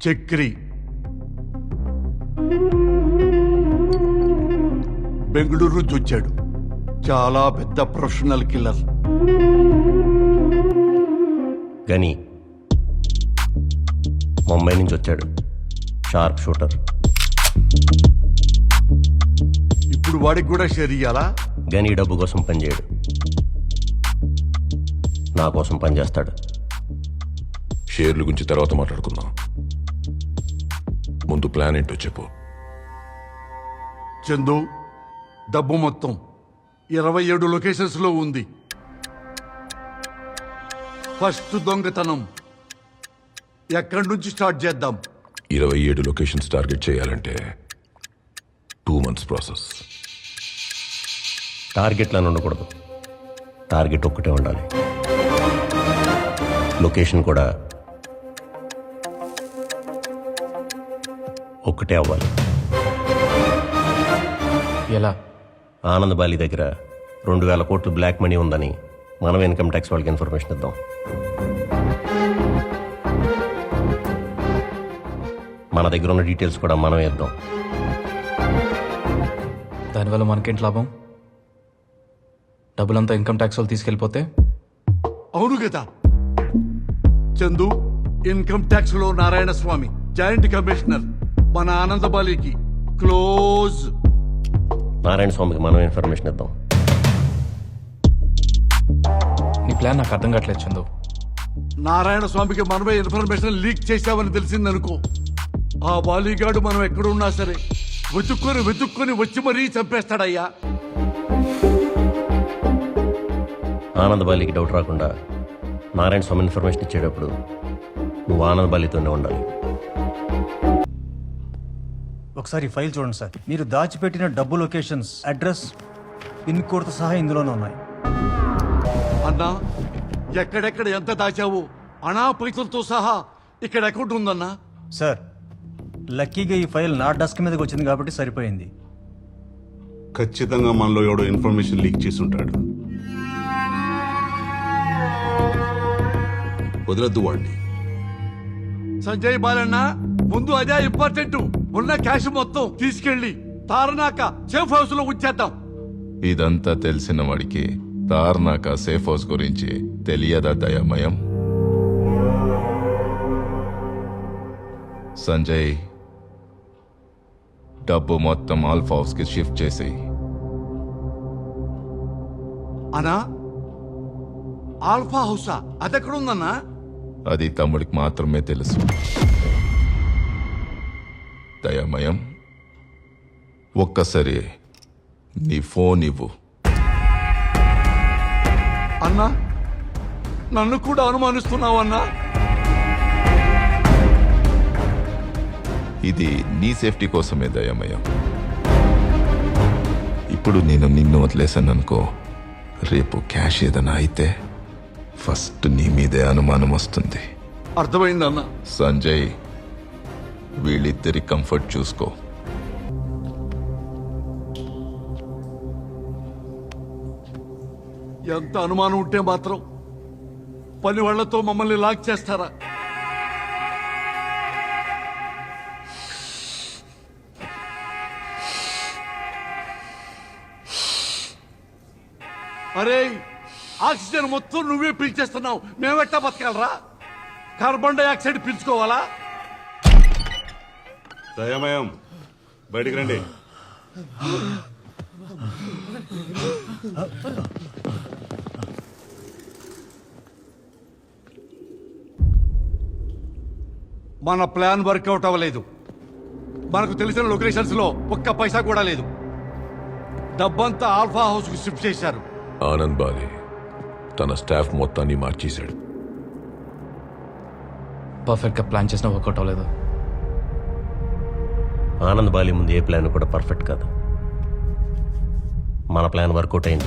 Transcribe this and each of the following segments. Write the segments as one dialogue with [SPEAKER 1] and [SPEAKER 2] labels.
[SPEAKER 1] చక్రి బెంగళూరు నుంచి వచ్చాడు. చాలా పెద్ద ప్రొఫెషనల్ కిల్లర్.
[SPEAKER 2] గని ముంబై నుంచి వచ్చాడు. Sharp shooter.
[SPEAKER 1] ఇప్పుడు వాడికి కూడా షేర్ ఇయ్యాలా?
[SPEAKER 2] గని డబ్బు కోసం పనిచేయడు, నా కోసం పనిచేస్తాడు.
[SPEAKER 3] షేర్ల గురించి తర్వాత మాట్లాడుకుందాం. ముందు ప్లాన్ ఏంటో చెప్పు.
[SPEAKER 1] చందు, డబ్బు మొత్తం 27 లొకేషన్స్ లో ఉంది. ఫస్ట్ దొంగతనం ఎక్కడి నుంచి స్టార్ట్ చేద్దాం?
[SPEAKER 3] 27 లొకేషన్స్ టార్గెట్ చేయాలంటే 2 months ప్రాసెస్.
[SPEAKER 2] టార్గెట్లను ఉండకూడదు, టార్గెట్ ఒక్కటే ఉండాలి. లొకేషన్ కూడా ఒక్కటే అవ్వాలి.
[SPEAKER 4] ఎలా?
[SPEAKER 2] ఆనంద్ బాలి దగ్గర 2000 కోట్లు బ్లాక్ మనీ ఉందని మనం ఇన్కమ్ ట్యాక్స్ వాళ్ళకి ఇన్ఫర్మేషన్ ఇద్దాం. మన దగ్గర ఉన్న డీటెయిల్స్ కూడా మనమే ఇద్దాం.
[SPEAKER 4] దానివల్ల మనకేంటి లాభం? డబ్బులంతా ఇన్కమ్ ట్యాక్స్ వాళ్ళు తీసుకెళ్ళిపోతే?
[SPEAKER 1] అవును కదా చందు, ఇన్కమ్ ట్యాక్స్ లో నారాయణ స్వామి జాయింట్ కమిషనర్, మన ఆనందబాలికి క్లోజ్.
[SPEAKER 2] నారాయణ స్వామికి మనం ఇన్ఫర్మేషన్ ఇద్దాం.
[SPEAKER 4] నీ ప్లాన్ నాకు అర్థం కావట్లేదు చందు.
[SPEAKER 1] నారాయణ స్వామికి మనమే ఇన్ఫర్మేషన్ లీక్ చేశామని తెలిసిందనుకో, ఆ బాలీగాడు మనం ఎక్కడున్నా సరే వెతుక్కొని వచ్చి మరీ చంపేస్తాడయ్యా.
[SPEAKER 2] ఆనంద్ బాలికి డౌట్ రాకుండా నారాయణ స్వామి ఇన్ఫర్మేషన్ ఇచ్చేటప్పుడు నువ్వు ఆనంద్ బాలితోనే ఉండాలి.
[SPEAKER 5] ఒకసారి ఫైల్ చూడండి సార్. మీరు దాచిపెట్టిన డబ్బు లొకేషన్స్, అడ్రస్, పిన్ కోడ్తో సహా ఇందులోనే ఉన్నాయి.
[SPEAKER 1] అన్నా, ఎక్కడెక్కడ ఎంత దాచావు అనా పైసలతో సహా ఇక్కడ అకౌంట్ ఉందన్నా.
[SPEAKER 5] సార్, లక్కీగా ఈ ఫైల్ నా డెస్క్ మీదకి వచ్చింది కాబట్టి సరిపోయింది.
[SPEAKER 6] ఖచ్చితంగా మనలో ఎవడో ఇన్ఫర్మేషన్ లీక్ చేసి ఉంటాడు.
[SPEAKER 3] వదలద్దు వాడిని.
[SPEAKER 1] సంజయ్ బాలన్న, ముందు అదే ఇంపార్టెంట్. ఉన్న క్యాష్ మొత్తం తీసుకెళ్లి తారనాక సేఫ్ హౌస్ లో ఉంచేద్దాం.
[SPEAKER 7] ఇదంతా తెలిసిన వాడికి తార్నాక సేఫ్ హౌస్ గురించి తెలియదా దయామయం? సంజయ్, డబ్బు మొత్తం ఆల్ఫా హౌస్ కి షిఫ్ట్ చేసి.
[SPEAKER 1] అనా, ఆల్ఫా హౌసా? అదెక్కడుందన్నా?
[SPEAKER 7] అది తమ్ముడికి మాత్రమే తెలుసు. దయామయం, ఒక్కసారి నీ ఫోన్ ఇవ్వు.
[SPEAKER 1] అన్నా, నన్ను కూడా అనుమానిస్తున్నావన్నా?
[SPEAKER 7] ఇది నీ సేఫ్టీ కోసమే దయామయం. ఇప్పుడు నేను నిన్ను వదిలేశాననుకో, రేపు క్యాష్ ఏదైనా అయితే ఫస్ట్ నీ మీదే అనుమానం వస్తుంది.
[SPEAKER 1] అర్థమైందన్నా.
[SPEAKER 7] సంజయ్, వీళ్ళిద్దరి కంఫర్ట్ చూసుకో.
[SPEAKER 1] ఎంత అనుమానం ఉంటే మాత్రం పని వాళ్లతో మమ్మల్ని లాక్ చేస్తారా? అరే, ఆక్సిజన్ మొత్తం నువ్వే పీల్చేస్తున్నావు, మేమెట్టా బతకాలరా? Carbon dioxide పీల్చుకోవాలా?
[SPEAKER 6] దయామయం, బయటికి రండి.
[SPEAKER 1] మన ప్లాన్ వర్కౌట్ అవ్వలేదు. మనకు తెలిసిన లొకేషన్స్ లో ఒక్క పైసా కూడా లేదు. డబ్బంతా ఆల్ఫా హౌస్ కు షిఫ్ట్ చేశారు.
[SPEAKER 3] ఆనంద్ బాలి తన స్టాఫ్ మొత్తాన్ని మార్చేశాడు.
[SPEAKER 4] పర్ఫెక్ట్గా ప్లాన్ చేసినా వర్కౌట్ అవ్వలేదు.
[SPEAKER 2] ఆనంద్ బాలి ముందు ఏ ప్లాన్ కూడా పర్ఫెక్ట్ కాదు. మన ప్లాన్ వర్కౌట్ అయింది.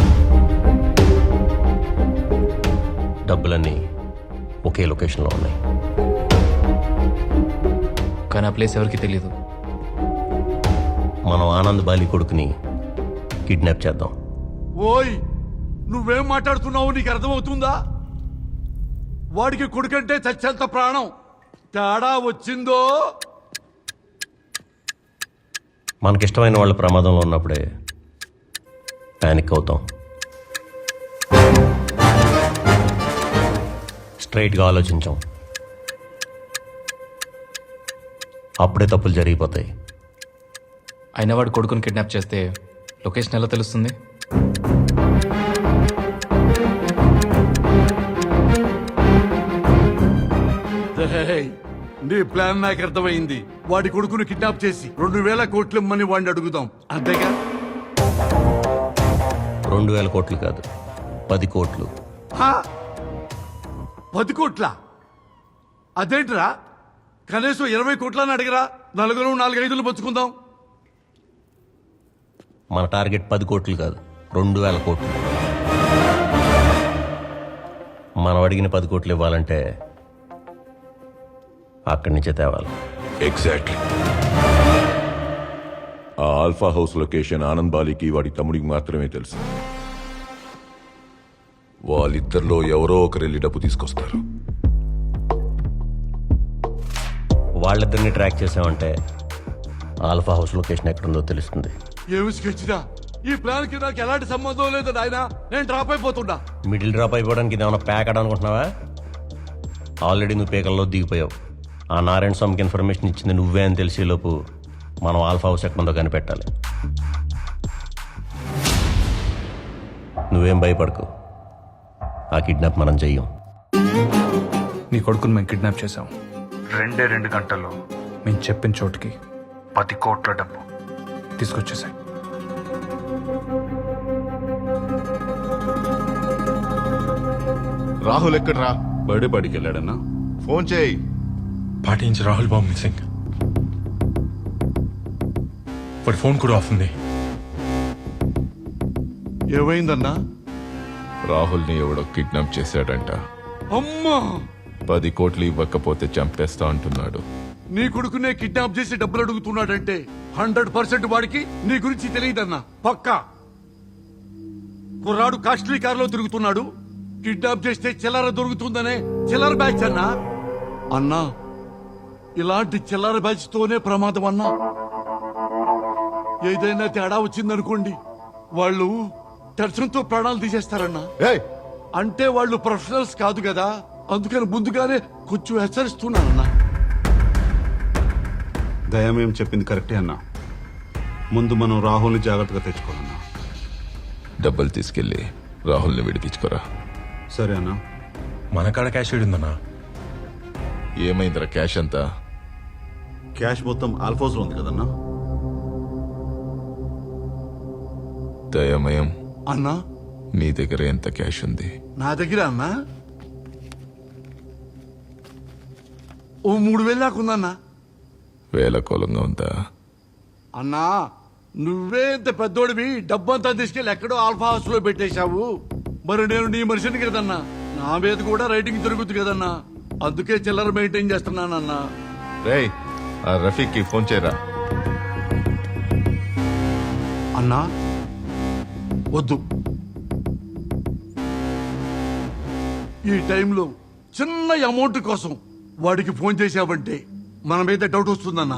[SPEAKER 2] డబ్బులన్నీ ఒకే లొకేషన్లో ఉన్నాయి.
[SPEAKER 4] కానీ ఆ ప్లేస్ ఎవరికి తెలియదు.
[SPEAKER 2] మనం ఆనంద్ బాలి కొడుకుని కిడ్నాప్ చేద్దాం.
[SPEAKER 1] ఓయ్, నువ్వేం మాట్లాడుతున్నావు? నీకు అర్థమవుతుందా? వాడికి కొడుకంటే చచ్చేంత ప్రాణం. తేడా వచ్చిందో
[SPEAKER 2] మనకిష్టమైన వాళ్ళ ప్రమాదంలో ఉన్నప్పుడే ప్యానిక్ అవుతాం. స్ట్రైట్గా ఆలోచించాం, అప్పుడే తప్పులు జరిగిపోతాయి.
[SPEAKER 4] అయిన వాడు కొడుకుని కిడ్నాప్ చేస్తే లొకేషన్ ఎలా తెలుస్తుంది?
[SPEAKER 1] రేయ్, నీ ప్లాన్ నాకు అర్థమైంది. వాడి కొడుకును కిడ్నాప్ చేసి 2,000 కోట్లు ఇమ్మని వాడిని అడుగుదాం, అంతేగా?
[SPEAKER 2] 2,000 కోట్లు కాదు, 10 కోట్లు.
[SPEAKER 1] హా? 10 కోట్ల? అదేంట్రా, కనీసం 20 కోట్లని అడిగరా, 4-5 పంచుకుందాం.
[SPEAKER 2] మన టార్గెట్ 10 కోట్లు కాదు, 2,000 కోట్లు. మనం అడిగిన 10 కోట్లు ఇవ్వాలంటే అక్కడి నుంచే తేవాలి.
[SPEAKER 3] ఎగ్జాక్ట్లీ. ఆ ఆల్ఫా హౌస్ లొకేషన్ ఆనంద్ బాలికి వాడి తమ్ముడికి మాత్రమే తెలుసు. వాళ్ళిద్దరిలో ఎవరో ఒకరు వెళ్ళి డబ్బు తీసుకొస్తారు.
[SPEAKER 2] వాళ్ళిద్దరిని ట్రాక్ చేసామంటే ఆల్ఫా హౌస్ లొకేషన్ ఎక్కడుందో తెలుస్తుంది.
[SPEAKER 1] ఏమి స్కెచ్దా? ఈ ప్లాన్ కి నాకు ఎలాంటి సంబంధం లేదు నాయనా, నేను డ్రాప్ అయిపోతున్నా.
[SPEAKER 2] మిడిల్ డ్రాప్ అయిపోవడానికి ఇది ఏమైనా ప్యాక్ అనుకుంటున్నావా? ఆల్రెడీ నువ్వు పేకల్లో దిగిపోయావు. ఆ నారాయణ స్వామికి ఇన్ఫర్మేషన్ ఇచ్చింది నువ్వే అని తెలిసేలోపు మనం ఆల్ఫా హౌస్ ఎక్కడుందో కనిపెట్టాలి. నువ్వేం భయపడకు, ఆ కిడ్నాప్ మనం చెయ్యం.
[SPEAKER 4] నీ కొడుకుని మేము కిడ్నాప్ చేశాం. 2 గంటల్లో మేము చెప్పిన చోటుకి 10 కోట్ల డబ్బు తీసుకొచ్చేసాయి.
[SPEAKER 6] రాహుల్ ఎక్కడ్రా? బర్త్డే పార్టీకి వెళ్ళాడన్నా? ఫోన్ చేయి.
[SPEAKER 8] పార్టీ నుంచి రాహుల్ బాబు మిస్సింగ్. వాడి ఫోన్ కూడా ఆఫ్ ఉంది.
[SPEAKER 1] ఏమైందన్నా?
[SPEAKER 7] రాహుల్ని ఎవడో కిడ్నాప్ చేశాడంట.
[SPEAKER 1] అమ్మా,
[SPEAKER 7] 10 కోట్లు ఇవ్వకపోతే చంపేస్తా అంటున్నాడు.
[SPEAKER 1] నీ కొడుకునే కిడ్నాప్ చేసి డబ్బులు అడుగుతున్నాడంటే 100% వాడికి నీ గురించి తెలియదన్నా, పక్కా. కుర్రాడు కాస్ట్లీ కారులో తిరుగుతున్నాడు, కిడ్నాప్ చేస్తే చిల్లర దొరుకుతుందనే చిల్లర బ్యాచ్ అన్నా. అన్నా, ఇలాంటి చిల్లర బ్యాచ్ తోనే ప్రమాదం అన్నా. ఏదైనా తేడా వచ్చిందనుకోండి, వాళ్ళు టెన్షన్తో ప్రాణాలు తీసేస్తారన్నా.
[SPEAKER 6] ఏయ్,
[SPEAKER 1] అంటే వాళ్ళు ప్రొఫెషనల్స్ కాదు కదా, అందుకని ముందుగానే కొంచెం హెచ్చరిస్తున్నానన్నా.
[SPEAKER 6] దయమేం చెప్పింది కరెక్టే అన్నా. ముందు మనం రాహుల్ని జాగ్రత్తగా తెచ్చుకోవాలన్నా.
[SPEAKER 7] డబ్బులు తీసుకెళ్ళి రాహుల్ని విడిపించుకోరా.
[SPEAKER 6] సరే అన్నా.
[SPEAKER 8] మన కాడ క్యాష్ ఉందన్నా.
[SPEAKER 7] ఏమైందిరా క్యాష్ అంతా?
[SPEAKER 6] క్యాష్ మొత్తం ఆల్ఫోస్ లో ఉంది కదన్నా.
[SPEAKER 7] దయమయం,
[SPEAKER 1] అన్నా,
[SPEAKER 7] నీ దగ్గర ఎంత క్యాష్ ఉంది?
[SPEAKER 1] నా దగ్గర అన్నా ఓ 3,000 దాకా ఉందన్నా.
[SPEAKER 7] వేలకోలంగా ఉందా?
[SPEAKER 1] అన్నా, నువ్వే ఇంత పెద్దోడివి, డబ్బంతా తీసుకెళ్ళి ఎక్కడో ఆల్ఫా హౌస్ లో పెట్టేశావు. మరి నేను నీ మనిషిని కదన్నా, నా మీద కూడా రైటింగ్ జరుగుతుంది కదన్నా, అందుకే చిల్లర మెయింటైన్ చేస్తున్నానన్నా.
[SPEAKER 7] రేయ్, ఆ రఫీక్కి ఫోన్ చేయరా.
[SPEAKER 1] అన్నా, వద్దు. ఈ టైంలో చిన్న అమౌంట్ కోసం వాడికి ఫోన్ చేశావంటే మన మీద డౌట్ వస్తుందన్నా.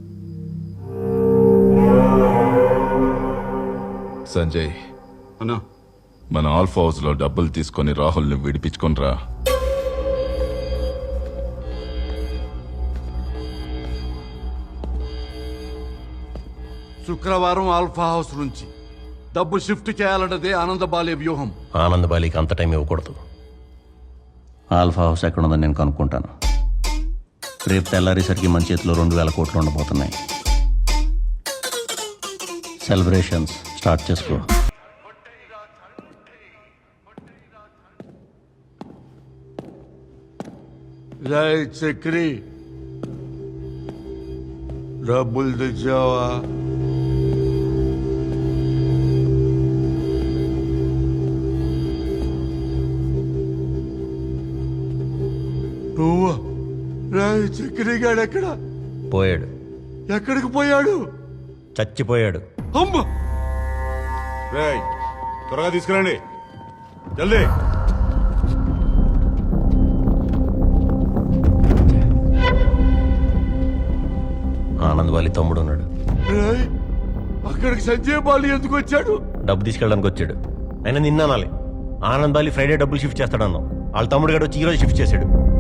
[SPEAKER 7] సంజయ్,
[SPEAKER 6] అన్నా,
[SPEAKER 7] మన ఆల్ఫా హౌస్ లో డబ్బులు తీసుకొని రాహుల్ని విడిపించుకొనిరా.
[SPEAKER 1] శుక్రవారం ఆల్ఫా హౌస్ నుంచి డబ్బు షిఫ్ట్ చేయాలన్నదే ఆనందబాలే వ్యూహం.
[SPEAKER 2] ఆనంద్ బాలికి అంత టైం ఇవ్వకూడదు. ఆల్ఫా హౌస్ ఎక్కడుందని నేను కనుక్కుంటాను. రేపు తెల్లారేసరికి మన చేతిలో 2,000 కోట్లు ఉండబోతున్నాయి. సెలబ్రేషన్స్ స్టార్ట్ చేసుకో.
[SPEAKER 1] జై చక్రి, డబ్బులు తెచ్చావా? నువ్వా? రాయ్ చక్రి గాడు ఎక్కడ?
[SPEAKER 2] పోయాడు.
[SPEAKER 1] ఎక్కడికి పోయాడు?
[SPEAKER 2] చచ్చిపోయాడు.
[SPEAKER 1] అమ్మ,
[SPEAKER 6] రేయ్, త్వరగా తీసుకురండి, జల్దీ.
[SPEAKER 2] ఆనంద్ వాళ్ళ తమ్ముడు ఉన్నాడు.
[SPEAKER 1] ఏయ్, అక్కడికి సంజయ్ బాలి ఎందుకు వచ్చాడు?
[SPEAKER 2] డబ్బు తీసుకెళ్ళడానికి వచ్చాడు. అయినా నిన్న అనాలి, ఆనంద్ బాలి ఫ్రైడే డబ్బులు షిఫ్ట్ చేస్తాడన్నావు. వాళ్ళ తమ్ముడు గారు వచ్చి ఈరోజు షిఫ్ట్ చేశాడు.